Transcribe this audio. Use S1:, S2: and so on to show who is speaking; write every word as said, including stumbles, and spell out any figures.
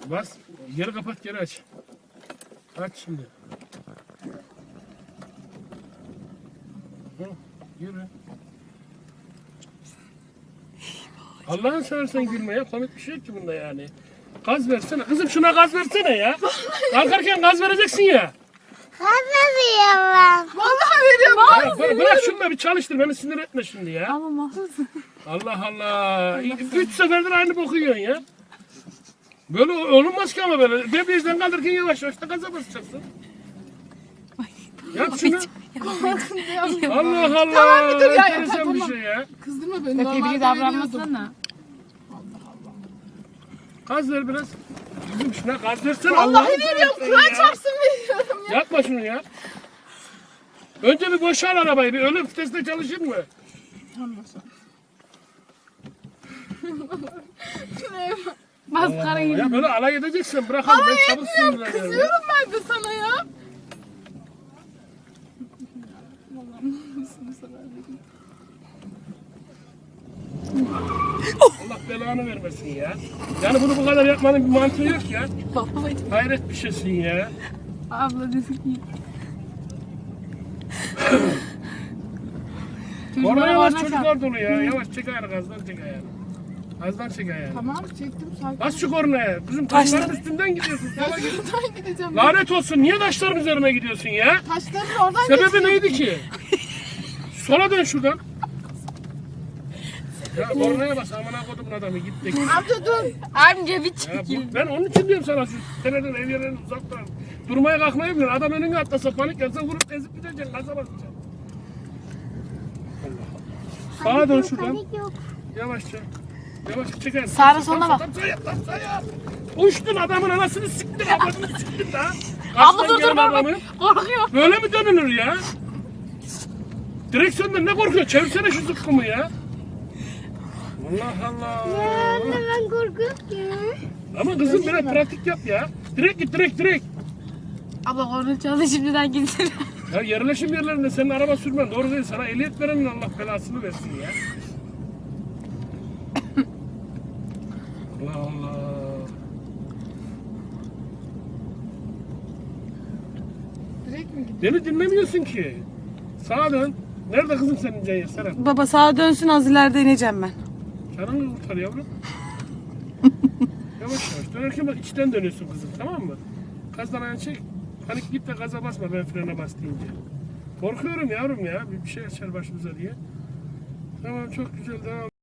S1: Bas. Geri kapat, geri aç. Aç şimdi. Hı, yürü. Allah'ın seversen gülme ya. Komik bir şey yok ki bunda yani. Gaz versene. Kızım şuna gaz versene ya. Kalkarken gaz vereceksin ya.
S2: Anlamıyorum.
S3: Vallahi veriyorum.
S1: Ya, bırak, bırak şunu da bir çalıştır. Beni sinir etme şimdi ya.
S3: Ama mahsus.
S1: Allah Allah. Üç seferdir aynı boku yiyorsun ya. Böyle olunmaz ki ama böyle. Debriyajdan kaldırırken yavaş yavaş da gaza basacaksın. Yap şunu. Allah Allah.
S3: Tamam bir dur ya,
S1: Enteresan
S3: yeter,
S1: bir
S3: tamam.
S1: şey ya.
S3: Kızdırma beni.
S4: Tebrik
S3: Normalde
S4: davranmasana.
S1: Gaz ver biraz. Kızım şuna gaz versene.
S3: Vallahi
S1: Allah'ını
S3: veriyorum.
S1: seversen
S3: Kur'an
S1: ya.
S3: çarpsın veriyorum ya.
S1: Yapma şunu ya. Önce bir boşal arabayı. Bir ölüm vitesinde çalışır mı?
S4: Maskarayı.
S1: Ya böyle alay edeceksin. Bırakalım. Ben çabuk sinirleniyorum. ya.
S3: Kızıyorum ben de sana ya.
S1: Allah belanı vermesin ya. Yani bunu bu kadar yapmanın bir mantığı yok ya. Hayret bir şeysin ya.
S4: Abla dedi ki.
S1: Orada yavaş
S4: orada
S1: çocuklar dolu ya. Yavaş çek ayağını, gazdan çek ayağını. Gazdan çek ayağını.
S3: Tamam çektim sakin.
S1: Bas şu kornaya. Kızım taşların üstünden gidiyorsun. Sola git.
S3: Şuradan gideceğim.
S1: Lanet olsun. Niye taşların üzerine gidiyorsun ya?
S3: Taşların oradan
S1: Sebebi neydi ki? Sola dön şuradan. Ya kornaya bas. Amına kodumun adamı. Git de git.
S3: Amca dur.
S4: Amca bir
S1: Ya
S4: çekil.
S1: bu, ben onun için diyorum sana şu seneden ev yerlerini uzaktan. Durmaya kalkmayı bilmiyor. Adam önüne atlasa panik yapsa vurup ezip gideceksin. Gaza basacaksın. Allah Allah. Sağa dön şuradan.
S2: Panik yok.
S1: Yavaşça. Yavaşça çeker.
S4: Sağına soluna bak.
S1: Sayap lan sayap. Uçtun adamın anasını siktin. Ablasını siktin daha.
S4: Abla dur dur
S1: Aslan
S4: bak.
S1: adamı.
S4: Korkuyor.
S1: Böyle mi dönülür ya? Direksiyondan ne korkuyor? Çevirsene şu zıkkımı ya. Allah Allah.
S2: Ya anne ben korkuyorum ki.
S1: Ama kızım biraz pratik yap ya. Direkt git direkt direkt.
S4: Abla korna çaldı şimdiden gitsin.
S1: Ya yerleşim yerlerinde senin araba sürmen doğru değil. Sana ehliyet verenin Allah belasını versin ya. Allah Allah.
S3: Direkt mi gidiyorsun?
S1: Beni dinlemiyorsun ki. Sağa dön. Nerede kızım senin Ceyhan Serap?
S4: Baba sağa dönsün az ileride ineceğim ben.
S1: Canını kurtar yavrum. Yavaş yavaş. Dönerken bak içten dönüyorsun kızım, tamam mı? Gazdan ayağını çek. Panik git de gaza basma ben frene bas deyince. Korkuyorum yavrum ya. Bir bir şey açar başımıza diye. Tamam çok güzel devam.